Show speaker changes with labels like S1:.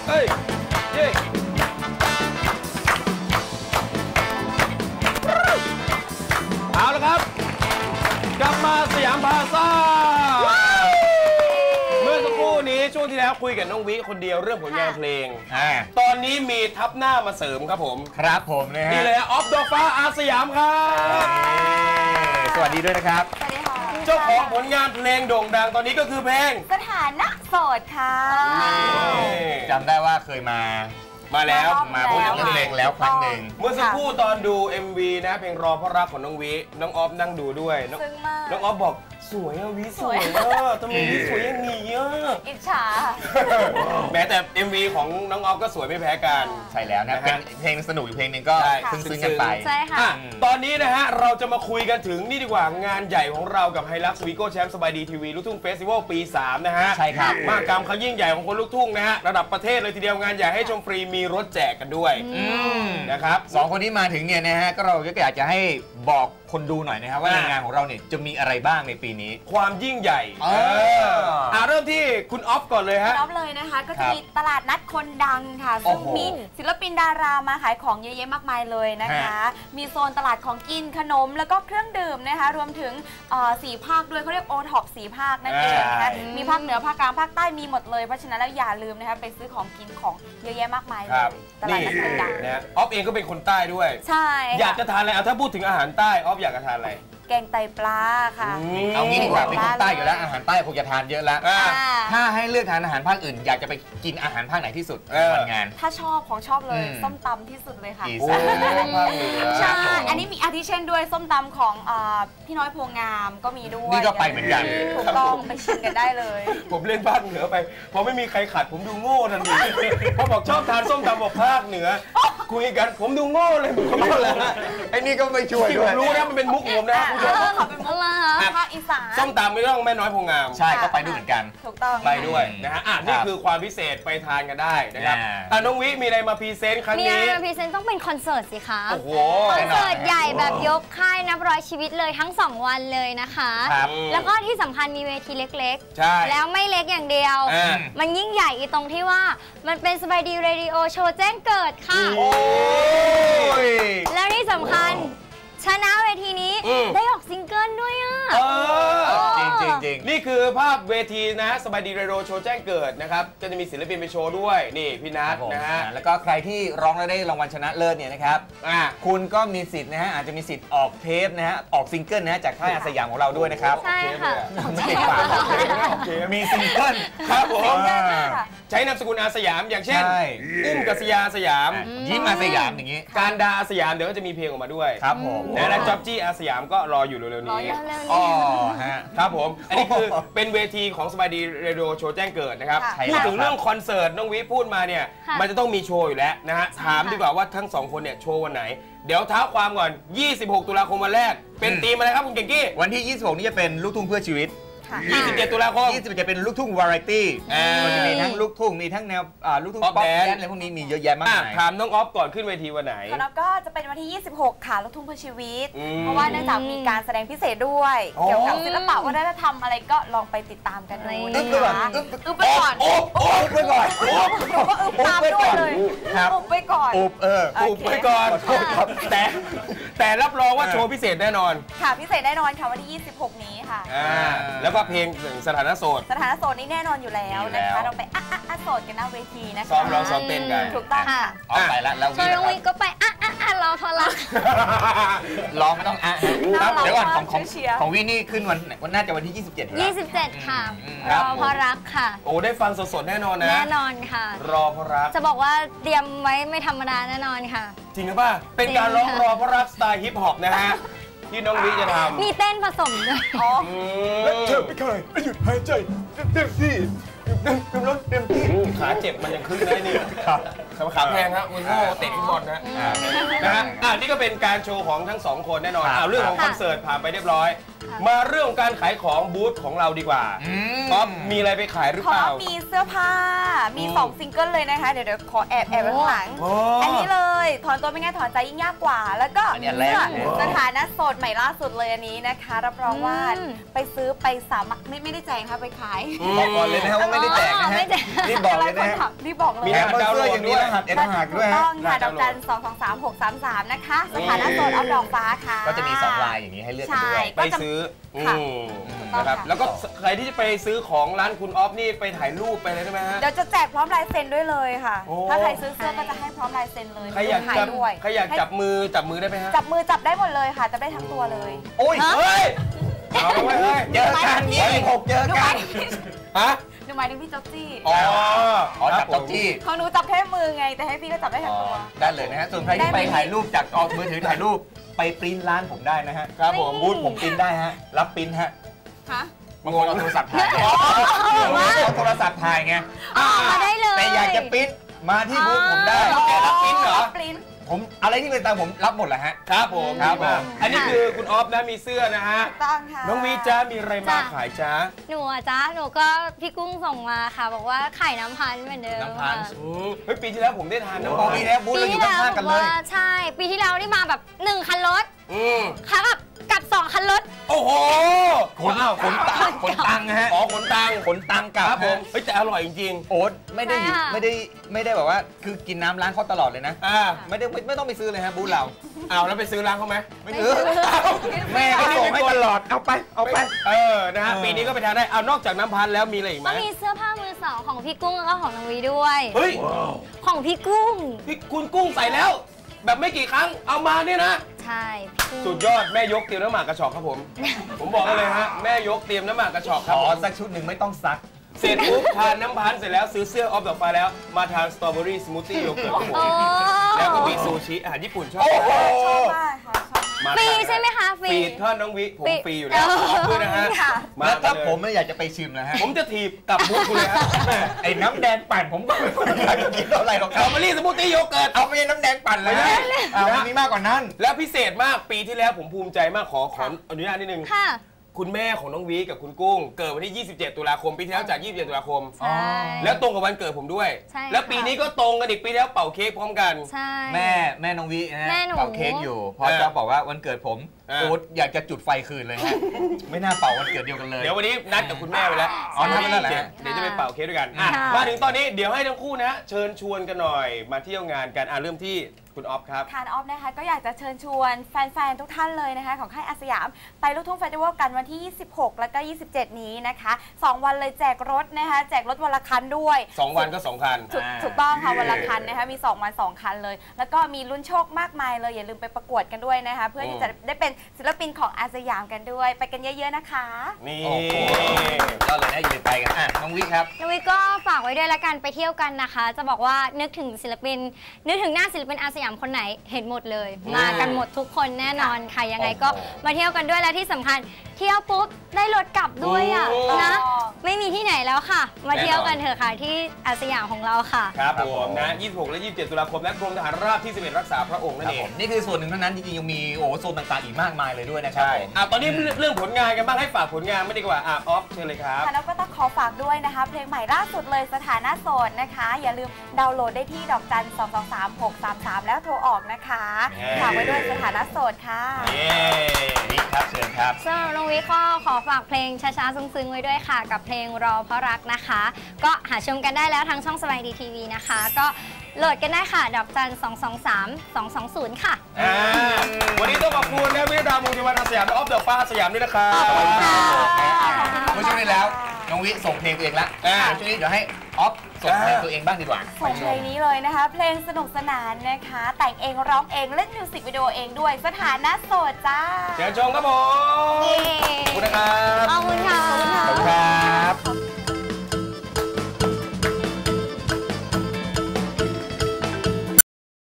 S1: เอ้ยเย้เอาละครับกลับมาสยามพาซ่าเมื่อสักครู่นี้ช่วงที่แล้วคุยกับน้องวิคนเดียวเรื่องผลงานเพลงตอนนี้มีทับหน้ามาเสริมครับผม
S2: ครับผมนะฮะ
S1: นี่เลยออฟดอกฟ้าอาสยามครับ
S2: สวัสดีด้วยนะครับ
S3: สวัสดีค่ะ
S1: เจ้าของผลงานเพลงโด่งดังตอนนี้ก็คือเพลง
S3: สถานะโสดค่ะ
S2: จำได้ว่าเคยมา
S1: แล้ว
S2: มาพูดถึงเพลงแล้วครั้งหนึ่ง
S1: เมื่อสักครู่ตอนดู MV นะเพลงรอเพราะรักของน้องวิน้องออฟนั่งดูด้วยน้องออฟบอกสวยอะวิสวยอะทำไมวิสวยอย่างนี้อะ
S3: อิจฉา
S1: แม้แต่ MV ของน้องออฟก็สวยไม่แพ้กัน
S2: ใช่แล้วนะเป็นเพลงสนุกอยู่เพลงหนึ่งก็ซึ้งกันไป
S3: ใช่ค่ะ
S1: ตอนนี้นะฮะเราจะมาคุยกันถึงนี่ดีกว่างานใหญ่ของเรากับไฮลักซ์วีโก้แชมป์สบายดีทีวีลูกทุ่งเฟสติวัลปี3นะฮะ
S2: ใช่ครับ
S1: มหกรรมครั้งยิ่งใหญ่ของคนลูกทุ่งนะฮะระดับประเทศเลยทีเดียวงานใหญ่ให้ชมฟรีมีรถแจกกันด้วยนะครับ
S2: 2 คนที่มาถึงเนี่ยนะฮะก็เราก็อยากจะให้บอกคนดูหน่อยนะครับว่าในงานของเราเนี่ยจะมีอะไรบ้างในปีนี้
S1: ความยิ่งใหญ่เริ่มที่คุณออฟก่อนเลยฮะ
S3: ออฟเลยนะคะก็จะมีตลาดนัดคนดังค่ะซึ่งมีศิลปินดารามาขายของเยอะแยะมากมายเลยนะคะมีโซนตลาดของกินขนมแล้วก็เครื่องดื่มนะคะรวมถึง4 ภาคด้วยเขาเรียกโอท็อป4 ภาคนั่นเองนะคะมีภาคเหนือภาคกลางภาคใต้มีหมดเลยเพราะฉะนั้นแล้วอย่าลืมนะคะไปซื้อของกินของเยอะแยะมากมายเลยตลาดนัดคนดัง
S1: นะออฟเองก็เป็นคนใต้ด้วย
S3: ใช่
S1: อยากจะทานอะไรถ้าพูดถึงอาหารใต้ออฟอยากจะทานอะไร
S3: แกงไตปลาค่ะ
S2: เอางี้ดีกว่าเป็นคนใต้อยู่แล้วอาหารใต้คงจะทานเยอะแล้วถ้าให้เลือกทานอาหารภาคอื่นอยากจะไปกินอาหารภาคไหนที่สุดวันงาน
S3: ถ้าชอบของชอบเลยส้มตำที่สุดเลยค่ะ
S1: ใช่
S3: อันนี้มีอาทิเช่นด้วยส้มตำของพี่น้อยโพงามก็มีด้วย
S2: นี่ก็ไปเหมือนกัน
S3: ถูกต้องไปชิมกันได้เลย
S1: ผมเล่นภาคเหนือไปพอไม่มีใครขัดผมดูโง่ทันทีพอบอกชอบทานส้มตำบอกภาคเหนือคุยกันผมดูโง่เลยผมก็เลย
S2: ไอ้นี่ก็ไม่ช่วยด้วย
S1: รู้นะมันเป็นมุกผมนะ
S3: ขอเป็นมุกภาคอีสาน
S1: ส้มตำไม่ต้องแม่น้อยโพงาม
S2: ใช่ก็ไปด้วยเหมือนกัน
S3: ถูกต้อง
S1: ไปด้วยนะฮะนี่คือความพิเศษไปทานกันได้นะครับน้องวิมีอะไรมาพรีเซนต์ครั้งนี้
S4: มีอะไรมาพรีเซนต์ต้องเป็นคอนเสิร์ตสิคะ
S1: โอ้โห
S4: คอนเสิร์ตใหญ่แบบยกค่ายนับร้อยชีวิตเลยทั้ง2 วันเลยนะคะแล้วก็ที่สำคัญมีเวทีเล็กๆแล้วไม่เล็กอย่างเดียวมันยิ่งใหญ่ตรงที่ว่ามันเป็นสบายดีเรดิโอโชว์แจ้งเกิดค่ะแล้วที่สำคัญชนะเวทีนี้ได้ออกซิงเกิลด้วยอ่ะ
S2: จริง
S1: นี่คือภาพเวทีนะฮะสบายดีเรดิโอโชว์แจ้งเกิดนะครับก็จะมีศิลปินไปโชว์ด้วยนี่พี่นัทนะฮะ
S2: แล้วก็ใครที่ร้องแล้วได้รางวัลชนะเลิศเนี่ยนะครับคุณก็มีสิทธิ์นะฮะอาจจะมีสิทธิ์ออกเทปนะฮะออกซิงเกิลนะฮะจากค่ายอาสยามของเราด้วยนะครับ
S4: ใช่ค่ะ
S2: ไม่ติดปากมีซิงเกิล
S1: ครับผมใช้นามสกุลอาสยามอย่างเช่นอุ้มกัสยาสยาม
S2: ยิ้มอาสยามอย่างนี้
S1: การดาอาสยามเดี๋ยวก็จะมีเพลงออกมาด้วย
S2: ครับผม
S1: และจ๊อบจี้อาสยามก็รออยู่เร็วๆนี้ครับผมอันนี้คือเป็นเวทีของสบายดีเรดิโอโชว์แจ้งเกิดนะครับพูดถึงเรื่องคอนเสิร์ตน้องวิพูดมาเนี่ยมันจะต้องมีโชว์อยู่แล้วนะฮะถามดีกว่าว่าทั้ง2 คนเนี่ยโชว์วันไหนเดี๋ยวท้าความก่อน26 ตุลาคมวันแรกเป็นธีมอะไรครับคุณเก่งกี้
S2: วันที่26นี่จะเป็นลูกทุ่งเพื่อชีวิต
S1: 27 ตุลาคม
S2: 27จะเป็นลูกทุ่งวาไรตี้มันจะมีทั้งลูกทุ่งมีทั้งแนวลูกทุ่งป๊อปแดนซ์อะไรพวกนี้มีเยอะแยะมากมาย
S1: ถามน้องออฟก่อนขึ้นเวทีวันไหน
S3: ของเราก็จะเป็นวันที่26ค่ะลูกทุ่งเพื่อชีวิตเพราะว่าเนื่องจากมีการแสดงพิเศษด้วยเกี่ยวกับศิลปะวัฒนธรรมอะไรก็ลองไปติดตามกันดูนะคะอึ๊บไปก่อน
S2: อึ๊บไปก่อน
S3: ก็อึ๊บตามด้วยเลยอึ๊บไปก่อน
S1: อึ๊บไปก่อนแต่รับรองว่าโชว์พิเศษแน่นอน
S3: ค่ะพิเศษแน่นอนค่ะวันที่26นี้ค่ะ
S1: แล้วก็เพลงสถานะโสด
S3: นี่แน่นอนอยู่แล้วนะคะเราไปโสดกันหน้าเวทีนะคะ
S1: ซ้อมร้องซ้อมเต้นกัน
S3: ถูกต้องค่ะ
S2: ไปแล้วแล้ว
S4: ช่วยน้องวิก็ไปรอพอรัก
S2: ร้องไม่ต้องเดี๋ยวก่อนของวินี่ขึ้นวันน่าจะวันที่
S4: 27ค่ะรอพอรักค่ะ
S1: โอ้ได้ฟังสดๆแน่นอนนะ
S4: แน่นอนค่ะ
S1: รอพอรัก
S4: จะบอกว่าเตรียมไว้ไม่ธรรมดาแน่นอนค่ะ
S1: จริงหรือเปล่าเป็นการร้องรอพอรักสไตล์ฮิปฮอปนะฮะที่น้องวิจะทำ
S4: มีเต้นผสมด้วย
S1: และเธอไม่เคยหยุดหายใจเต็มที่เต็มที่ขาเจ็บมันยังขึ้นได้นี่ขาแพงครับมันโง่เตะฟุตบอลนะนี่ก็เป็นการโชว์ของทั้ง2 คนแน่นอนเรื่องของคอนเสิร์ตผ่านไปเรียบร้อยมาเรื่องการขายของบูธของเราดีกว่าป๊อปมีอะไรไปขายหรือเปล่า
S3: มีเสื้อผ้ามี2 ซิงเกิลเลยนะคะเดี๋ยวขอแอบไว้ข้างหลังอันนี้เลยถอนตัวไม่ง่ายถอนใจยิ่งยากกว่าแล้วก็สถานะโสดใหม่ล่าสุดเลยอันนี้นะคะรับรองว่าไปซื้อไปสามารถไม่ได้แจงค่ะไปขาย
S2: บอกก่อนเลยนะครับว่าไม่ได้แจกนะฮะรีบบอกเลยนะฮะ
S3: รีบบอกเลย
S2: มีแอปเสื้ออย่างนี้รหัสหักด้วยฮะ
S3: ต้องค่ะดอกจัน223-633นะคะสถานะโสดเอาดอกฟ้าค่ะ
S2: ก็จะมี2ลายอย่างนี้ให้เลือกกันด้วย
S1: ไปซื้อนะครับแล้วก็ใครที่จะไปซื้อของร้านคุณออฟนี่ไปถ่ายรูปไปเลยได้ไหมฮะ
S3: เดี๋ยวจะแจกพร้อมลายเซ็นด้วยเลยค่ะถ้าใครซื้อเสื้อก็จะให้พร้อมลายเซ็นเลย
S1: ใครอยากจับมือได้ไหมฮะ
S3: จับมือจับได้หมดเลยค่ะจับได้ทั้งตัวเลย
S2: โอ้ยเฮ้ยเอาไว้เฮ้ยเจอกัน26เจอกัน
S1: ฮะ
S3: หนูหมายถึงพี่จ๊อบจี้
S2: อ๋อจับจ๊อบจี้
S3: ของหนูจับแค่มือไงแต่ให้พี่ก็จับได้ทั้งตัว
S2: ได้เลยนะฮะส่วนใครที่ไปถ่ายรูปจากออกมือถือถ่ายรูปไปปริ้นร้านผมได้นะฮะครับผมบูธผมปริ้นได้ฮะรับปริ้นฮะบางคนเอาโทรศัพท์ถ่ายเอาโทรศัพท์ถ่ายไง
S4: มาได้เลย
S2: แต่อยากจะปริ้นมาที่บูธผมได้
S1: แกรับปริ้นเหรอ
S2: ผมอะไรที่เป็นตามผมรับหมดแหละฮะ
S1: ครับผมอันนี้คือคุณออฟนะมีเสื้อนะฮะ
S3: ต้องค่ะ
S1: น้องวีจ้ามีอะไรมาขายจ้า
S4: หนูจ้าหนูก็พี่กุ้งส่งมาค่ะบอกว่าไข่น้ำพันเหมือนเดิม
S2: น้ำพัน
S1: เฮ้ยปีที่แล้วผมได้ทานน้ำพัน
S2: ปีแล้วบูธเราอยู่ข้างกันเลย
S4: ใช่ปีที่แล้วนี่มาแบบ1คันรถค่ะกับ2คันรถ
S1: โอ้โห
S2: ขนตังฮะ
S1: ขนตัง
S2: กับ
S1: ผมเฮ้ยแต่อร่อยจริง
S2: ๆโอ๊ตไม่ได้แบบว่าคือกินน้ำร้านเขาตลอดเลยนะไม่ต้องไปซื้อเลยฮะบูธเรา
S1: เอาแล้วไปซื้อร้านเขาไหม
S2: ไม่ซื้อแม่ก็ส่งให้ตลอดเอาไป
S1: นะฮะปีนี้ก็ไปทานได้เอานอกจากน้ำพันแล้วมีอะไรอีกไหม
S4: ก็มีเสื้อผ้ามือสองของพี่กุ้งแล้วก็ของน้องวีด้วย
S1: เฮ้ย
S4: ของพี่กุ้ง
S1: คุณกุ้งใส่แล้วแบบไม่กี่ครั้งเอามาเนี่ยนะ
S4: ใช่
S1: สุดยอดแม่ยกเตรียมน้ำหมากกระชอกครับผมบอกเลยฮะแม่ยกเตรียมน้ำหมากกระชอกครับ
S2: สักชุดหนึ่งไม่ต้องซัก
S1: เสร็จปุ๊บทานน้ำพันเสร็จแล้วซื้อเสื้อออฟดอกฟ้าแล้วมาทานสตรอเบอรี่สมูทตี้โยเกิร์ตแล้วก็มีซูชิอาหารญี่ปุ่นชอบ
S3: มากค่ะ
S4: ฟรีใช่ไหมคะ
S1: ฟรีท่านน้องวิผมฟรีอยู่แล้วขอบคุณนะฮะ
S2: แล้วถ้าผมไม่อยากจะไปชิมนะฮะ
S1: ผมจะถีบกับบุกคุณเลยฮะ
S2: ไอ้น้ำแดงปั่นผมก็ไม่อยากกินอะไรหรอก
S1: สตรอเบอรี่สมูทตี้โยเกิร์ต
S2: เอาไม่ใช่น้ำแดงปั่นเลยนะมันมีมากกว่านั้น
S1: แล้วพิเศษมากปีที่แล้วผมภูมิใจมากขออนุญาตนิดนึงคุณแม่ของน้องวีกับคุณกุ้งเกิดวันที่27ตุลาคมปีที่แล้วจาก27ตุลาคมแล้วตรงกับวันเกิดผมด้วยแล้วปีนี้ก็ตรงกันอีกปีที่แล้วเป่าเค้กพร้อมกัน
S2: แม่น้องวีนะเป่าเค้กอยู่พอจะบอกว่าวันเกิดผมโอ๊ตอยากจะจุดไฟคืนเลยฮะไม่น่าเป่าวันเกิดเดียวกันเลย
S1: เดี๋ยววันนี้นัดกับคุณแม่ไปแล้ว
S2: ทำนั่นแหละ
S1: เดี๋ยวจะไปเป่าเค้กด้วยกันมาถึงตอนนี้เดี๋ยวให้ทั้งคู่นะเชิญชวนกันหน่อยมาเที่ยวงานกันเริ่มที่คุณออฟครับ
S3: ทานออฟนะคะก็อยากจะเชิญชวนแฟนๆทุกท่านเลยนะคะของค่ายอาสยามไปลูกทุ่งเฟสติวัลกันวันที่26แล้วก็27นี้นะคะ2วันเลยแจกรถนะคะแจกรถวันละคันด้วย
S1: 2วันก็2คัน
S3: ถูกต้องค่ะวันละคันนะคะมี2วัน2คันเลยแล้วก็มีลุ้นโชคมากมายเลยอย่าลืมไปประกวดกันด้วยนะคะเพื่อที่จะได้เป็นศิลปินของอาสยามกันด้วยไปกันเยอะๆนะคะ
S1: นี่
S2: ก็เลยได้ยืนไปกันน้องวิครับ
S4: น้องวิก็ฝากไว้ด้วยละกันไปเที่ยวกันนะคะจะบอกว่านึกถึงศิลปินนึกถึงหน้าศิลปินอาสยามคนไหนเห็นหมดเลยมากันหมดทุกคนแน่นอนค่ะยังไงก็มาเที่ยวกันด้วยและที่สำคัญเที่ยวปุ๊บได้รถกลับด้วยอ่ะนะไม่มีที่ไหนแล้วค่ะมาเที่ยวกันเถอะค่ะที่อาสยามของเราค่ะ
S1: ครับผมนะ26และ27ตุลาคมและกรมทหารราบที่11รักษาพระองค์นั่นเอง
S2: นี่คือส่วนหนึ่งเท่านั้นจริงๆยังมีโซนต่างๆอีกมากมายเลยด้วยนะครับ
S1: ตอนนี้เรื่องผลงานกันบ้างให้ฝากผลงานไม่ดีกว่าออฟเชิญเลยครับ
S3: แล้วก็ต้องขอฝากด้วยนะคะเพลงใหม่ล่าสุดเลยสถานะโสดนะคะอย่าลืมดาวน์โหลดได้ที่ดอกจัน223-633แล้วโทรออกนะคะฝากไว้ด้วยสถานะโสดค่ะ
S2: นี่ครับเชิญครับ
S4: สำหรับน้องวิก็ขอฝากเพลงช้าๆซึ้งๆไว้ด้วยค่ะกับเพลงรอเพราะรักนะคะก็หาชมกันได้แล้วทางช่องสบายดีทีวีนะคะก็โหลดกันได้ค่ะดอกจัน223-220ค่ะ
S1: วันนี้ต้องขอบคุณนะวิดามงคลวันอาสยามและออฟเดอะฟ้าสยามด้วยนะครับ
S2: เมื่อช่วงนี้แล้วน้องวิส่งเพลงตัวเองละช่วงนี้เดี๋ยวให้ออฟส่งเพลงตัวเองบ้างดีกว่า
S3: ส่งเพลงนี้เลยนะคะเพลงสนุกสนานนะคะแต่งเองร้องเองเล่นมิวสิกวิดีโอเองด้วยสถานะโสดจ้า
S1: เชิญชมครับผม